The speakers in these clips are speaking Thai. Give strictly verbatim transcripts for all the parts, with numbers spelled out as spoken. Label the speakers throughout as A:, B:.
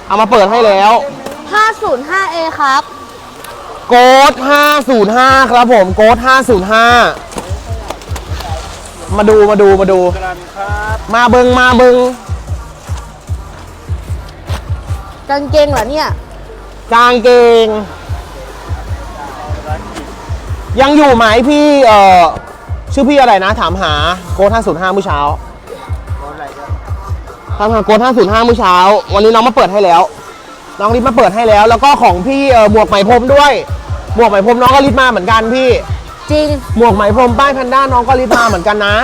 A: เอามาเปิดให้แล้ว
B: ห้าศูนย์ห้าเอ ครับ
A: โกดห้าศูนย์ห้าครับผมโกดห้าศูนย์ห้ามาดูมาดูมาดูมาเบิงมาเบิง
B: กางเกงเหรอเนี่ย
A: กางเกงยังอยู่ไหมพี่เอ่อชื่อพี่อะไรนะถามหาโกดห้าศูนย์ห้าเมื่อเช้าถามหาโกดห้าศูนย์ห้าเมื่อเช้าวันนี้น้องมาเปิดให้แล้วน้องรีบมาเปิดให้แล้วแล้วก็ของพี่เอ่อหมวกไหมพรมด้วยหมวกไหมพรมน้องก็รีบมาเหมือนกันพี่
B: จริง
A: หมวกไหมพรมป้ายแพนด้าน้องก็รีบมาเหมือนกันนะ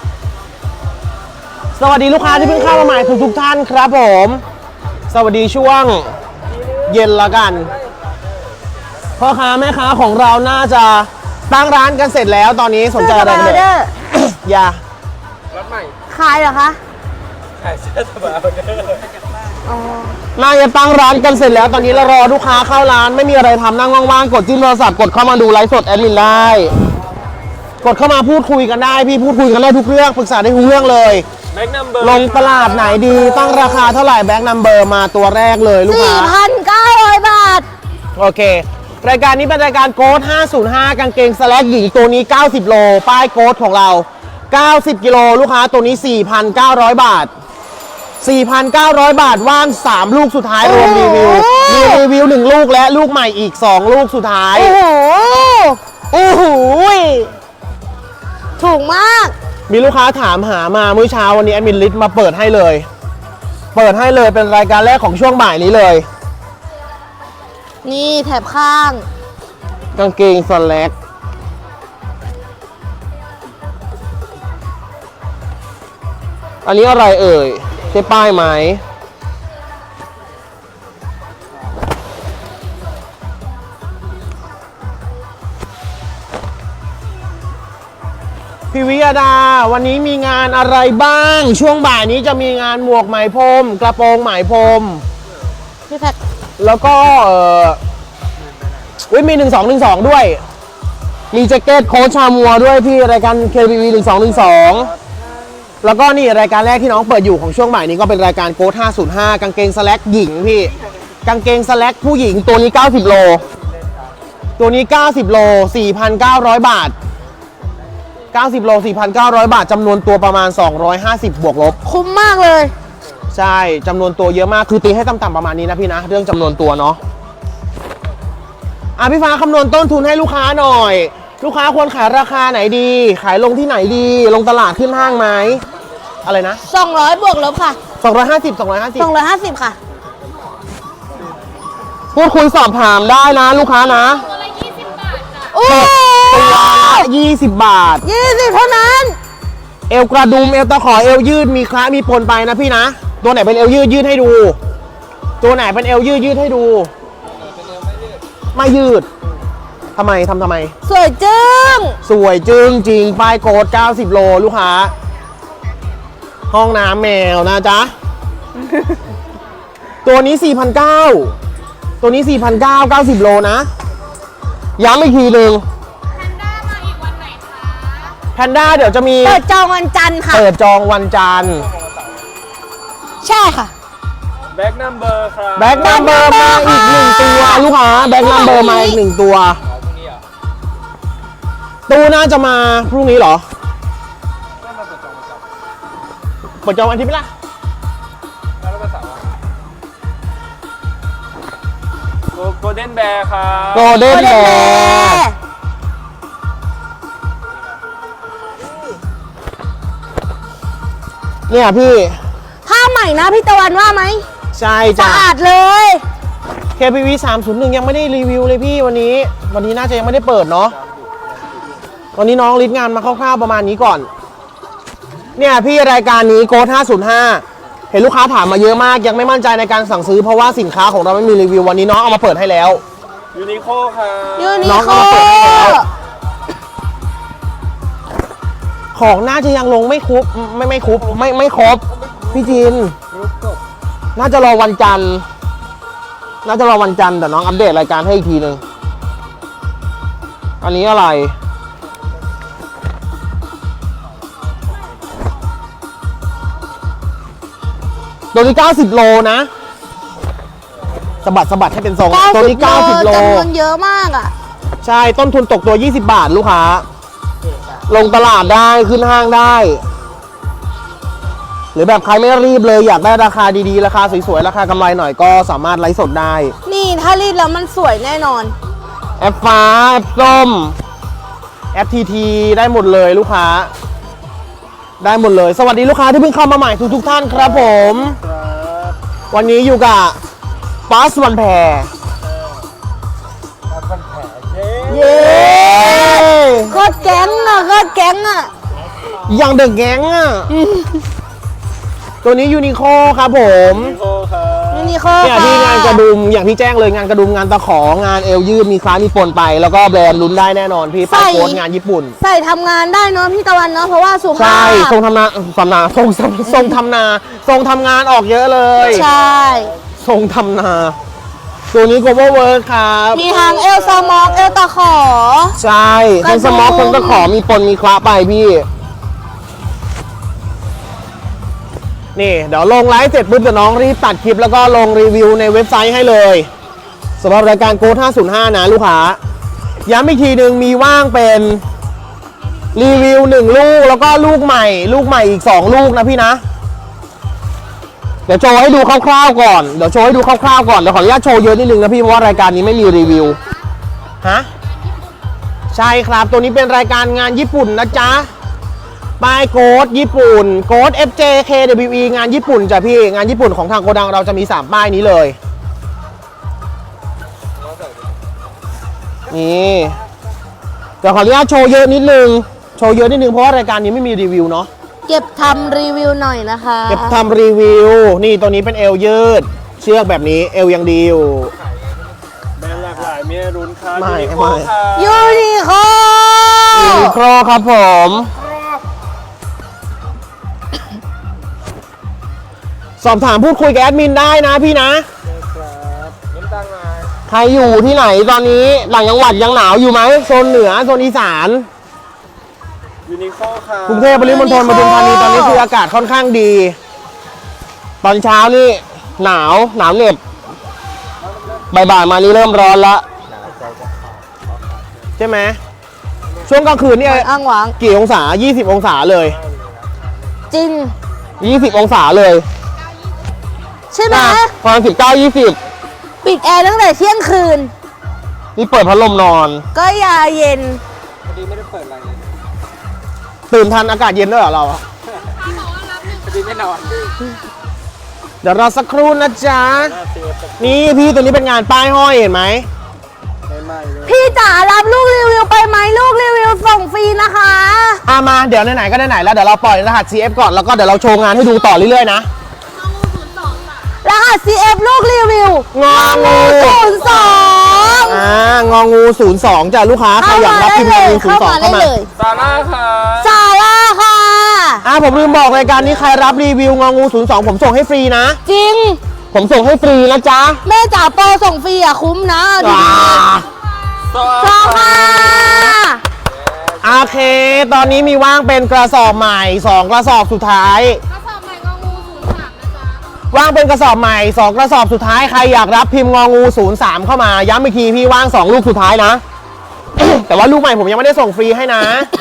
A: สวัสดีลูกค้าที่เพิ่งเข้ามาใหม่ทุกทุกท่านครับผมสวัสดีช่วงเย็นละกันพ่อค้าแม่ค้าของเราน่าจะตั้งร้านกันเสร็จแล้วตอนนี้สนใจอะไรกันเลยอย่า
B: ร้านใหม่ขายเหรอคะ
C: ขายเสื้อสบาย
A: น่าจะตั้งร้านกันเสร็จแล้วตอนนี้เรารอลูกค้าเข้าร้านไม่มีอะไรทำนั่งว่างๆกดจิ้มโทรศัพท์กดเข้ามาดูไลฟ์สดแอดมินได้กดเข้ามาพูดคุยกันได้พี่พูดคุยกันได้ทุกเรื่องปรึกษาได้ทุกเรื่องเลย
C: แบ็คนัมเบอร์
A: ลงตลาดไหนดีตั้งราคาเท่าไหร่แบ็คนัมเบอร์มาตัวแรกเลยลูกค้า
B: สี่พันเก้าร้อย บาท
A: โอเครายการนี้เป็นรายการโค้ดห้าศูนย์ห้ากางเกงสแลกหญิงตัวนี้เก้าสิบโลป้ายโค้ดของเราเก้าสิบกิโลลูกค้าตัวนี้ สี่พันเก้าร้อย บาท สี่พันเก้าร้อย บาทว่างสามลูกสุดท้ายรวมรีวิวมีรีวิวหนึ่งลูกและลูกใหม่อีกสองลูกสุดท้าย
B: โอ้โห
A: โอ้โห
B: ถูกมาก
A: มีลูกค้าถามหามาเมื่อเช้าวันนี้แอดมินลิสต์มาเปิดให้เลยเปิดให้เลยเป็นรายการแรกของช่วงบ่ายนี้เลย
B: นี่แถบข้าง
A: กางเกงสแลกอันนี้อะไรเอ่ยใช่ป้ายไหมพี่วิยดาวันนี้มีงานอะไรบ้างช่วงบ่ายนี้จะมีงานหมวกไหมพรมกระโปรงไหมพรม
B: พี่แพ็ค
A: แล้วก็เออวิมีหนึ่งสองหนึ่งสองด้วยมีแจ็คเก็ตโค้ชชามัวด้วยพี่รายการ เค บี วี หนึ่งสองหนึ่งสองแล้วก็นี่รายการแรกที่น้องเปิดอยู่ของช่วงบ่ายนี้ก็เป็นรายการโค้ดห้าศูนย์ห้ากางเกงสแลกหญิงพี่กางเกงสแลกผู้หญิงตัวนี้เก้าสิบโลตัวนี้เก้าสิบโล สี่พันเก้าร้อย บาทเก้าสิบโล สี่พันเก้าร้อย บาทจำนวนตัวประมาณสองร้อยห้าสิบบวกลบ
B: คุ้มมากเลย
A: ใช่จำนวนตัวเยอะมากคือตีให้ต่ำๆประมาณนี้นะพี่นะเรื่องจำนวนตัวเนาะอ่ะพี่ฟ้าคำนวณต้นทุนให้ลูกค้าหน่อยลูกค้าควรขายราคาไหนดีขายลงที่ไหนดีลงตลาดขึ้นห้างไหมอะไรนะ
B: สองร้อยบวกลบค่ะ
A: สองร้อยห้าสิบ สองร้อยห้าสิบ
B: สองร้อยห้าสิบค่ะ
A: พูดคุยสอบถามได้นะลูกค้านะ
B: ตัวละยี่สิบบาทจ้ะโอ้
A: ยี่สิบบาท
B: ยี่สิบเท่านั้น
A: เอวกระดุมเอวตะขอเอวยืดมีคล้ามีปนไปนะพี่นะตัวไหนเป็นเอวยืดยืดให้ดูตัวไหนเป็นเอวยืดยืดให้ดูไม่ยืดทำไมทำทำไม
B: สวยจึ้ง
A: สวยจึ้งจริงป้ายโกดเก้าสิบโลลูกค้าห้องน้ำแมวนะจ๊ะ ตัวนี้ สี่พันเก้าร้อย ตัวนี้ สี่พันเก้าร้อย เก้าสิบโลนะย้ำอีกทีหนึ่ง
B: แพนด้ามาอีกวันไหนคะ
A: แพนด้าเดี๋ยวจะมี
B: เปิดจองวันจันทร์ค่ะ
A: เปิดจองวันจันทร์
B: ใช่ค่ะ
C: แบ็คนัมเบอร์ครับ
A: แบ็คนัมเบอร์มาอีกหนึ่งตัวลูกค้าแบ็คนัมเบอร์มาอีกหนึ่งตัวตู้น่าจะมาพรุ่งนี้เหรอเปิดจองวันที่ไหมล่ะ
C: โกลเด้นแบร์ครับ
A: โกลเด้นแบร์เนี่ยพี่
B: ผ้าใหม่นะพี่ตะวันว่าไหม
A: ใช่จ้ะ
B: สะอาดเลย
A: เค พี วี สามศูนย์หนึ่งยังไม่ได้รีวิวเลยพี่วันนี้วันนี้น่าจะยังไม่ได้เปิดเนาะวันนี้น้องลิสต์งานมาคร่าวๆประมาณนี้ก่อนเนี่ยพี่รายการนี้โค้ดห้าศูนย์ห้าเห็นลูกค้าถามมาเยอะมากยังไม่มั่นใจในการสั่งซื้อเพราะว่าสินค้าของเราไม่มีรีวิววันนี้น้องเอามาเปิดให้แล้ว
C: ยูนิโคค่ะ
B: ยูนิโค
A: ของน่าจะยังลงไม่ครบไม่ไม่ครบไม่ไม่ครบพี่จินน่าจะรอวันจันทร์น่าจะรอวันจันทร์แต่น้องอัปเดตรายการให้อีกทีหนึ่งอันนี้อะไรตัวนี้เก้าสิบโลนะสะบัดสะบัดให้เป็นทรง
B: เก้า
A: ตัว
B: สิ
A: นี้
B: บ
A: เก้าสิบ
B: โล
A: โล
B: จำนวนเยอะมากอ่ะ
A: ใช่ต้นทุนตกตัวยี่สิบบาทลูกค้า ลงตลาดได้ขึ้นห้างได้ หรือแบบใครไม่รีบเลยอยากได้ราคาดีๆ ราคาสวยๆ ราคากำไรหน่อยก็สามารถไลฟ์สดได้
B: นี่ถ้ารีดแล้วมันสวยแน่นอน
A: แอปฟ้า แอปส้ม แอปทีทีได้หมดเลยลูกค้า ได้หมดเลย สวัสดีลูกค้าที่เพิ่งเข้ามาใหม่ทุกๆท่านครับผม
C: ครับ
A: วันนี้อยู่กับปัสวันแพร
C: รับฟันแผลเย้
B: เย้โคตรแก๊งอ่ะโคตรแก๊งอ่ะ
A: อย่างเดอะแก๊งอ่ะ ตัวนี้ยูนิโคครับผม
C: ยูนิโคครับ
B: นี่นี่โค
A: เนี่ย
B: ค่ะ
A: ที่งานกระดุมอย่างที่แจ้งเลยงานกระดุมงานตะของานเอวยืดมีคล้ายมีปนไป แล้วก็แบรนด์ลุ้นได้แน่นอนพี่ป้ายโค้ดงานญี่ปุ่น
B: ใส่ทำงานได้เนาะพี่ตะวันเนาะเพราะว่าสุภา
A: ใช่
B: พ
A: ทรงทำนาทำนาทรงทรงทรงทำนาทรงทำงานออกเยอะเลย
B: ใช่
A: ทรงทำนา ตัวนี้ cover work ครับ
B: มีทางเอลซามอกเอลตะขอ
A: ใช่
B: กระดุ
A: ทั้
B: ม
A: งสมอกทั้งตะขอมีปนมีคละไปพี่ นี่เดี๋ยวลงไลฟ์เสร็จปุ๊บเดี๋ยวน้องรีบตัดคลิปแล้วก็ลงรีวิวในเว็บไซต์ให้เลยสำหรับรายการโค้ดห้าศูนย์ห้านะลูกค้าย้ำอีกทีหนึ่งมีว่างเป็นรีวิวหนึ่งลูกแล้วก็ลูกใหม่ ลูกใหม่อีกสองลูกนะพี่นะ เดี๋ยวโชว์ให้ดูคร่าวๆก่อนเดี๋ยวโชว์ให้ดูคร่าวๆก่อนเดี๋ยวขออนุญาตโชว์เยอะนิดนึงนะพี่เพราะว่ารายการนี้ไม่มีรีวิวฮะใช่ครับตัวนี้เป็นรายการงานญี่ปุ่นนะจ๊ะป้ายโค้ดญี่ปุ่นโค้ด เอฟ เจ เค ดับเบิลยู อี งานญี่ปุ่นจ้ะพี่งานญี่ปุ่นของทางโกดังเราจะมีสามป้ายนี้เลยนี่เดี๋ยวขออนุญาตโชว์เยอะนิดนึงโชว์เยอะนิดนึงเพราะว่ารายการนี้ไม่มีรีวิวเนาะ
B: เก็บทำรีวิวหน่อยนะคะ
A: เก็บทำรีวิวนี่ตัวนี้เป็นเอวยืดเชือกแบบนี้เอวยังดีอยู่
C: แบรนด์หลากหลายมีให้รุ้นครับ
A: ไม่
C: ยูนิโค
A: ไม่
C: ครับ
B: ยูนิโค
A: ยูนิโคลครับผม สอบถามพูดคุยกับแอดมินได้นะพี่นะ
C: ครับน้ำตาลมา
A: ใครอยู่ที่ไหนตอนนี้หลังจังหวัดยังหนาวอยู่ไหมโซนเหนือโซนอีสาน
C: ยูนิโคครับ
A: กรุงเทพปริมณฑลปทุมธานีตอนนี้คืออากาศค่อนข้างดี ตอนเช้านี่หนาวหนาวเหน็บบ่ายๆมานี่เริ่มร้อนละใช่ไหมช่วงกลางคืนเนี่ย
B: อ้างหวัง
A: กี่องศา ยี่สิบ องศาเลย
B: จริง
A: ยี่สิบ องศาเลย
B: ใช่ไหม
A: ประมาณสิบเก้า ยี่สิบ
B: ปิดแอร์ตั้งแต่เที่ยงคืน
A: นี่เปิดพัดลมนอน
B: ก็ยาเย็น
C: พอดีไม่ได้เปิดอะไรเลย
A: ตื่นทันอากาศเย็นด้วยเหรอเราอะ
C: พอดีไม่นอน
A: เดี๋ยวรอสักครู่นะจ๊ะ
C: หน้าเสียบ
A: นี่พี่ตัวนี้เป็นงานป้ายห้อยเห็นไหม
C: ใหม่ๆเลย
B: พี่จ๋ารับลูกรีวิวไปไหมลูกรีวิวส่งฟรีนะคะ
A: อ่ะมาเดี๋ยวไหนๆก็ไหนๆแล้วเดี๋ยวเราปล่อยรหัส ซี เอฟ ก่อนแล้วก็เดี๋ยวเราโชว์งานให้ดูต่อเรื่อยๆนะ
B: รหัส ซี เอฟ ลูกรีวิว
A: งองู
B: ศูนย์สอง
A: อ่างองูศูนย์สองจ้ะลูกค้าใครอยากรับพิมพ์งองูศูน
B: เข้า
A: ย์สอง
B: มาได้
A: เข้ามา
B: เลย
C: ซาร่าครับ
B: ซาร่าค่ะ
A: อ่ะผมลืมบอกรายการนี้ใครรับรีวิวงองูศูนย์สองผมส่งให้ฟรีนะ
B: จริง
A: ผมส่งให้ฟรีนะจ๊ะ
B: แม่จ๋าโปรส่งฟรีอ่ะคุ้มนะเอาดี
A: อ่า
C: ซอ
B: ๆซองค่ะ
A: โอเค ตอนนี้มีว่างเป็นกระสอบใหม่สองกระสอบสุดท้าย
D: กระสอบใหม่งองูศูนย์สามนะจ๊ะ
A: ว่างเป็นกระสอบใหม่สองกระสอบสุดท้ายใครอยากรับพิมพ์งองูศูนย์สามเข้ามาย้ำอีกทีพี่ว่างสองลูกสุดท้ายนะ แต่ว่าลูกใหม่ผมยังไม่ได้ส่งฟรีให้นะ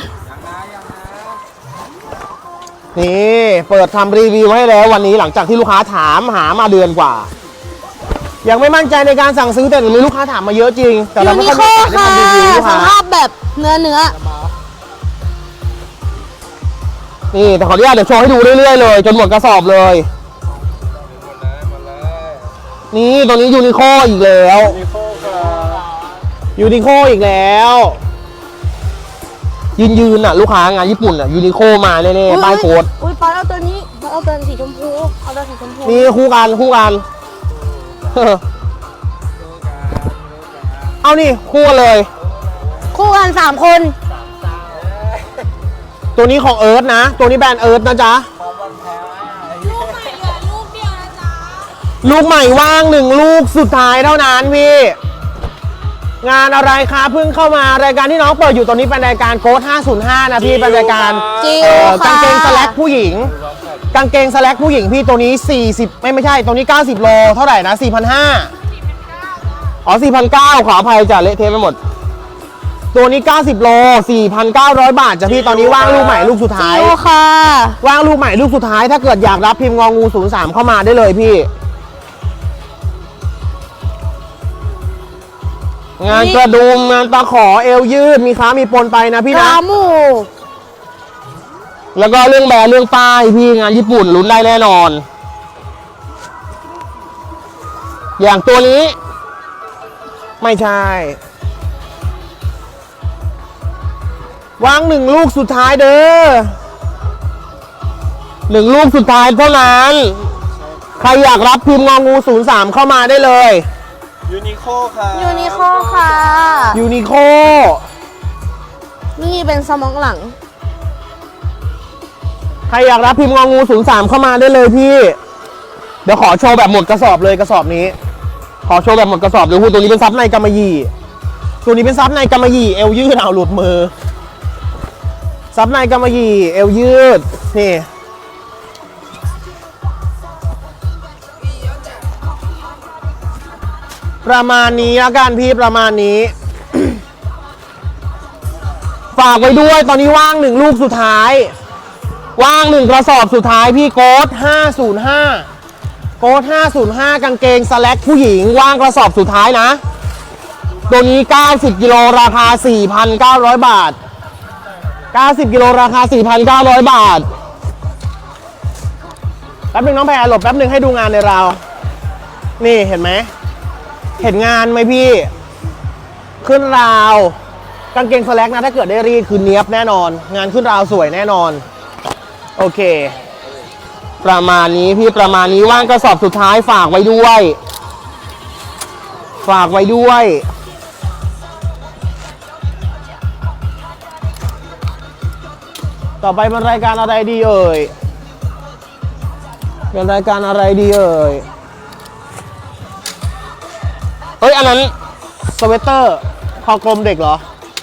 A: นี่เปิดทำรีวิวให้แล้ววันนี้หลังจากที่ลูกค้าถามหามาเดือนกว่า ยังไม่มั่นใจในการสั่งซื้อแต่มีลูกค้าถามมาเยอะจริง แต่
B: ยู
A: เราไม่
B: นิ
A: ค่อย
B: โค
A: มีโอกาสได้
B: ค่ะ
A: ทำรีวิวลูก
B: ส
A: ค้า
B: ภาพแบบเนื้อเนื้อ
A: นี่แต่ขออนุญาตเดี๋ยวโชว์ให้ดูเรื่อยๆเลยจนหมดกระสอบเลย นี่ตัวนี้ยูนิโคอีกแล้ว
C: ยูนิโคครับ
A: ยูนิโคอีกแล้ว ยืนยืนๆอ่ะลูกค้างานญี่ปุ่นอ่ะยูนิโคมาแน่ๆป้ายโค้ด
B: อุ้ยปอนเอาตัวนี้ปอนเอาตัวสีชมพู เอาตัวสีชมพู
A: นี่คู่กันคู่กัน เอานี่คู่กันเลย
B: คู่กันสามคน
A: ตัวนี้ของเอิร์ธนะ ตัวนี้แบรนด์เอิร์ธนะจ๊ะ
D: ลูกใหม่เหลือลูกเดียวนะจ๊ะ
A: ลูกใหม่ว่างหนึ่งลูกสุดท้ายเท่านั้นพี่ งานอะไรคะเพิ่งเข้ามารายการที่น้องเปิดอยู่ตอนนี้เป็นรายการโค้ดห้าศูนย์ห้านะพี่เป็นรายการ
B: จิว
A: เอ่อ
B: ค่ะ
A: กางเกงสแลกผู้หญิง กางเกงสแลกผู้หญิงพี่ตัวนี้สี่สิบไม่ไม่ใช่ตัวนี้เก้าสิบโลเท่าไหร่นะสี่พันห้าอ๋อ สี่พันเก้าร้อย ขออภัยจ้ะเละเทะไปหมด ตัวนี้ เก้าสิบ โล สี่พันเก้าร้อย บาทจ้ะพี่ ตอนนี้ว่างลูกใหม่ลูกสุดท้าย
B: โอค่ะ
A: ว่างลูกใหม่ลูกสุดท้าย ถ้าเกิดอยากรับพิมพ์งองู ศูนย์สาม เข้ามาได้เลยพี่ งานกระดุมงานตะขอเอวยืด มีค้ามีปนไปนะพี่
B: ก
A: นะ
B: ราหมู
A: แล้วก็เรื่องแบรนด์เรื่องป้ายพี่งานญี่ปุ่นลุ้นได้แน่นอน อย่างตัวนี้ ไม่ใช่ วางหนึ่งลูกสุดท้ายเด้อหนึ่งลูกสุดท้ายเท่านั้น ใครอยากรับพิมพ์งองู ศูนย์สาม เข้ามาได้เลย
C: ยูนิโคค่ะ
B: ยูนิคอร์ค่ะ
A: ยูนิโค
B: นี่เป็นสมองหลัง
A: ใครอยากรับพิมพ์งองู ศูนย์สาม เข้ามาได้เลยพี่ เดี๋ยวขอโชว์แบบหมดกระสอบเลยกระสอบนี้ ขอโชว์แบบหมดกระสอบเดี๋ยวพูดตัวนี้เป็นซับในกำมะหยี่ตัวนี้เป็นซับในกำมะหยี่เอวยืดเอาหลุดมือซับในกำมะหยี่เอวยืดนี่ประมาณนี้แล้วกันพี่ประมาณนี้ ฝากไว้ด้วยตอนนี้ว่างหนึ่งลูกสุดท้าย ว่างหนึ่งกระสอบสุดท้ายพี่โค้ดห้าศูนย์ห้าโค้ดห้าศูนย์ห้ากางเกงสแล็กผู้หญิงว่างกระสอบสุดท้ายนะ ตัวนี้เก้าสิบกิโลราคา สี่พันเก้าร้อย บาท เก้าสิบกิโลราคา สี่พันเก้าร้อย บาท แป๊บนึงน้องแพรหลบแป๊บนึงให้ดูงานในราวนี่เห็นไหม เห็นงานไหมพี่ ขึ้นราวกางเกงสแล็กนะถ้าเกิดได้รีดคือเนี้ยบแน่นอน งานขึ้นราวสวยแน่นอน โอเค ประมาณนี้พี่ประมาณนี้ว่างกระสอบสุดท้ายฝากไว้ด้วย ฝากไว้ด้วย ต่อไปเป็นรายการอะไรดีเอ่ยเป็นรายการอะไรดีเอ่ยเฮ้ยอันนั้นสเวตเตอร์คอกลมเด็กเหรอ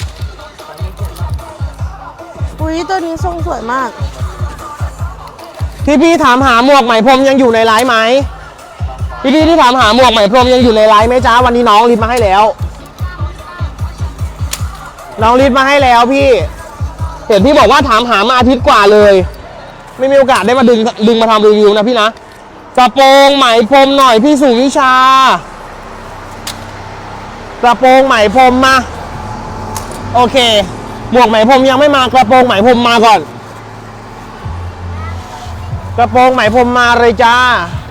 B: อุ้ยตัวนี้ทรงสวยมาก
A: พี่พี่ถามหาหมวกไหมพรมยังอยู่ในไลฟ์ไหมพี่พี่ที่ถามหาหมวกไหมพรมยังอยู่ในไลฟ์ไหมจ้าวันนี้น้องรีบมาให้แล้ว น้องรีบมาให้แล้วพี่เห็นพี่บอกว่าถามหามาอาทิตย์กว่าเลย ไม่มีโอกาสได้มาดึงดึงมาทำรีวิวนะพี่นะกระโปรงไหมพรมหน่อยพี่สุวิชากระโปรงไหมพรมมาโอเคหมวกไหมพรมยังไม่มากระโปรงไหมพรมมาก่อนกระโปรงไหมพรมมาเลยจ้า